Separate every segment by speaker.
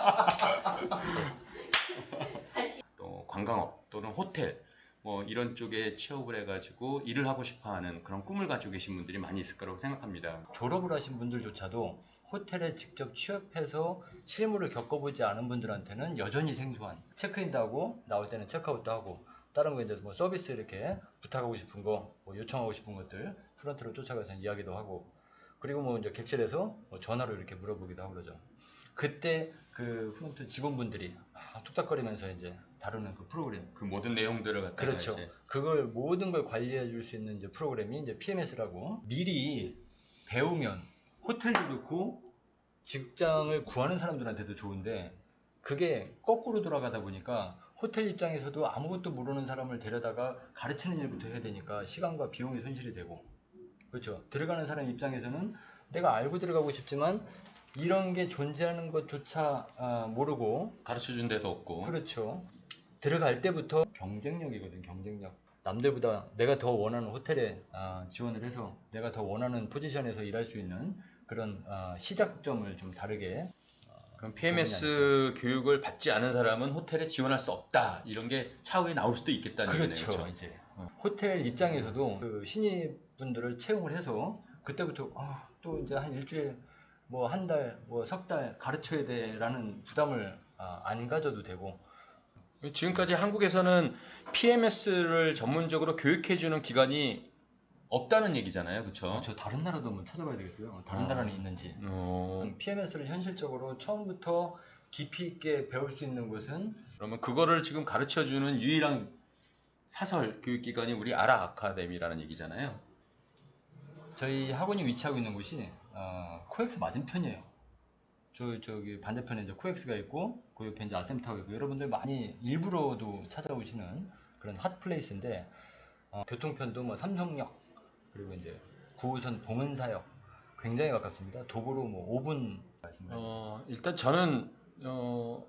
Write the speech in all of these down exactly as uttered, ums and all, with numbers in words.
Speaker 1: 또 관광업 또는 호텔 뭐 이런 쪽에 취업을 해가지고 일을 하고 싶어하는 그런 꿈을 가지고 계신 분들이 많이 있을 거라고 생각합니다.
Speaker 2: 졸업을 하신 분들조차도 호텔에 직접 취업해서 실무를 겪어보지 않은 분들한테는 여전히 생소한, 체크인도 하고 나올 때는 체크아웃도 하고 다른 거 이제 뭐 서비스 이렇게 부탁하고 싶은 거, 뭐 요청하고 싶은 것들 프런트로 쫓아가서 이야기도 하고, 그리고 뭐 이제 객실에서 뭐 전화로 이렇게 물어보기도 하고 그러죠. 그때 그 프런트 직원분들이 아, 툭닥거리면서 이제 다루는 그 프로그램,
Speaker 1: 그 모든 내용들을 갖다가
Speaker 2: 그렇죠.
Speaker 1: 이제
Speaker 2: 그걸 모든 걸 관리해 줄 수 있는 이제 프로그램이 이제 피엠에스라고, 미리 배우면 호텔도 좋고 직장을 구하는 사람들한테도 좋은데, 그게 거꾸로 돌아가다 보니까 호텔 입장에서도 아무것도 모르는 사람을 데려다가 가르치는 일부터 해야 되니까 시간과 비용이 손실이 되고, 그렇죠. 들어가는 사람 입장에서는 내가 알고 들어가고 싶지만 이런 게 존재하는 것조차 아, 모르고,
Speaker 1: 가르쳐준 데도 없고.
Speaker 2: 그렇죠. 들어갈 때부터 경쟁력이거든, 경쟁력. 남들보다 내가 더 원하는 호텔에 아, 지원을 해서 내가 더 원하는 포지션에서 일할 수 있는 그런 아, 시작점을 좀 다르게.
Speaker 1: 그럼 피엠에스 교육을 받지 않은 사람은 호텔에 지원할 수 없다, 이런 게 차후에 나올 수도 있겠다는
Speaker 2: 그렇죠.
Speaker 1: 얘기네요. 그렇죠?
Speaker 2: 이제 어. 호텔 입장에서도 그 신입분들을 채용을 해서 그때부터 아, 또 이제 한 일주일 뭐 한 달 뭐 석 달 가르쳐야 돼라는 부담을 아, 안 가져도 되고.
Speaker 1: 지금까지 한국에서는 피엠에스를 전문적으로 교육해주는 기관이 없다는 얘기잖아요, 그렇죠?
Speaker 2: 아, 저 다른 나라도 한번 찾아봐야 되겠어요. 다른
Speaker 1: 어.
Speaker 2: 나라는 있는지.
Speaker 1: 어.
Speaker 2: 피엠에스를 현실적으로 처음부터 깊이 있게 배울 수 있는 곳은,
Speaker 1: 그러면 그거를 지금 가르쳐주는 유일한 사설 교육기관이 우리 아라 아카데미라는 얘기잖아요.
Speaker 2: 저희 학원이 위치하고 있는 곳이 어, 코엑스 맞은편이에요. 저, 저기 반대편에 이제 코엑스가 있고 그 옆에 이제 아셈타워가 있고, 여러분들 많이 일부러도 찾아오시는 그런 핫플레이스인데, 어, 교통편도 뭐 삼성역, 그리고 이제 구 호선 봉은사역 굉장히 가깝습니다. 도보로 뭐 오 분 말씀드립니다.
Speaker 1: 어, 일단 저는 어,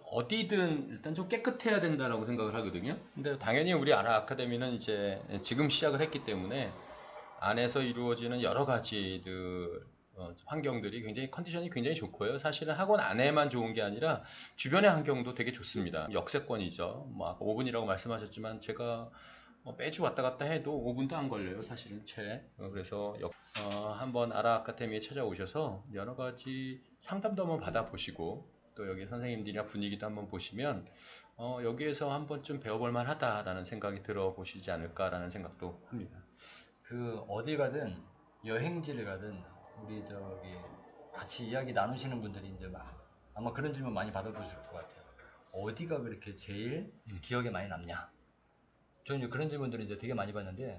Speaker 1: 어디든 일단 좀 깨끗해야 된다라고 생각을 하거든요. 근데 당연히 우리 아라 아카데미는 이제 지금 시작을 했기 때문에 안에서 이루어지는 여러 가지들 어, 환경들이 굉장히 컨디션이 굉장히 좋고요. 사실은 학원 안에만 좋은 게 아니라 주변의 환경도 되게 좋습니다. 역세권이죠. 뭐 아까 오 분이라고 말씀하셨지만 제가 뭐 매주 왔다 갔다 해도 오 분도 안 걸려요, 사실은 채. 어, 그래서 역, 어, 한번 아라 아카데미에 찾아오셔서 여러 가지 상담도 한번 받아보시고 또 여기 선생님들이나 분위기도 한번 보시면 어, 여기에서 한 번쯤 배워볼 만하다라는 생각이 들어보시지 않을까라는 생각도 합니다.
Speaker 2: 그 어딜 가든 여행지를 가든 우리 저기 같이 이야기 나누시는 분들이 이제 막 아마 그런 질문 많이 받아보실 것 같아요. 어디가 그렇게 제일
Speaker 1: 음.
Speaker 2: 기억에 많이 남냐? 저는 이제 그런 질문들을 이제 되게 많이 받는데,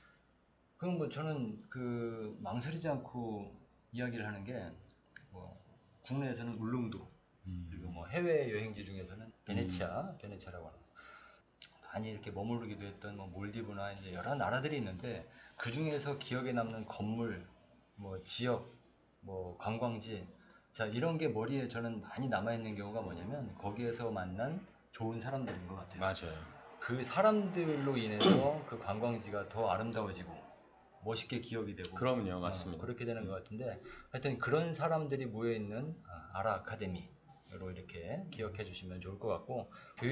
Speaker 2: 그럼 뭐 저는 그 망설이지 않고 이야기를 하는 게, 뭐 국내에서는 울릉도,
Speaker 1: 음.
Speaker 2: 그리고 뭐 해외 여행지 중에서는 베네치아, 베네치아라고 하는, 많이 이렇게 머무르기도 했던 뭐 몰디브나 이제 여러 나라들이 있는데, 그 중에서 기억에 남는 건물, 뭐 지역, 뭐 관광지, 자 이런 게 머리에 저는 많이 남아 있는 경우가 뭐냐면 거기에서 만난 좋은 사람들인 것 같아요.
Speaker 1: 맞아요.
Speaker 2: 그 사람들로 인해서 그 관광지가 더 아름다워지고 멋있게 기억이 되고.
Speaker 1: 그럼요, 맞습니다.
Speaker 2: 어, 그렇게 되는 것 같은데, 하여튼 그런 사람들이 모여있는 아라 아카데미로 이렇게 기억해 주시면 좋을 것 같고,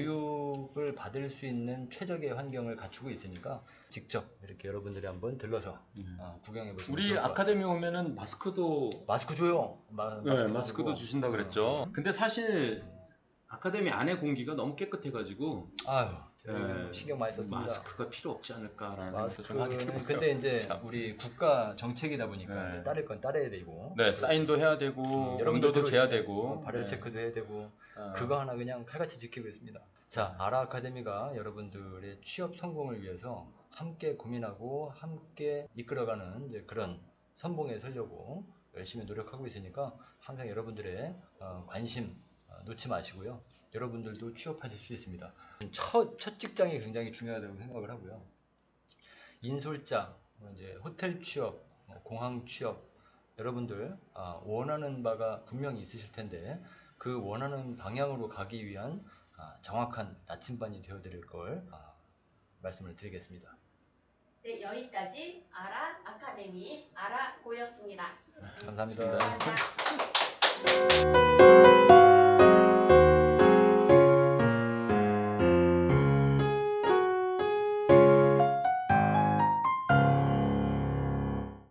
Speaker 2: 교육을 받을 수 있는 최적의 환경을 갖추고 있으니까 직접 이렇게 여러분들이 한번 들러서
Speaker 1: 음.
Speaker 2: 어, 구경해 보시면
Speaker 1: 우리
Speaker 2: 좋을 것 같아요.
Speaker 1: 아카데미 오면은 마스크도
Speaker 2: 마스크 줘요. 마,
Speaker 1: 네,
Speaker 2: 마스크
Speaker 1: 마스크도
Speaker 2: 주고.
Speaker 1: 주신다 그랬죠. 근데 사실 아카데미 안에 공기가 너무 깨끗해가지고
Speaker 2: 아유,
Speaker 1: 네,
Speaker 2: 신경 많이 썼습니다.
Speaker 1: 마스크가 필요 없지 않을까라는 생각도 좀 하게
Speaker 2: 마스크는
Speaker 1: 되고요.
Speaker 2: 근데 이제
Speaker 1: 참.
Speaker 2: 우리 국가 정책이다 보니까
Speaker 1: 네.
Speaker 2: 따를 건 따라야 되고,
Speaker 1: 네, 사인도 해야 되고
Speaker 2: 음, 여러분들
Speaker 1: 온도도
Speaker 2: 들어오실
Speaker 1: 재야
Speaker 2: 때
Speaker 1: 되고
Speaker 2: 발열
Speaker 1: 네.
Speaker 2: 체크도 해야 되고,
Speaker 1: 아.
Speaker 2: 그거 하나 그냥 칼같이 지키고 있습니다. 자, 아라 아카데미가 여러분들의 취업 성공을 위해서 함께 고민하고 함께 이끌어가는 이제 그런 선봉에 서려고 열심히 노력하고 있으니까 항상 여러분들의 어, 관심 어, 놓지 마시고요. 여러분들도 취업하실 수 있습니다. 첫, 첫 직장이 굉장히 중요하다고 생각을 하고요. 인솔자, 뭐 이제 호텔 취업, 뭐 공항 취업, 여러분들 아, 원하는 바가 분명히 있으실 텐데 그 원하는 방향으로 가기 위한 아, 정확한 나침반이 되어드릴 걸 아, 말씀을 드리겠습니다.
Speaker 3: 네, 여기까지 아라 아카데미 아라고였습니다.
Speaker 2: 감사합니다.
Speaker 3: 감사합니다.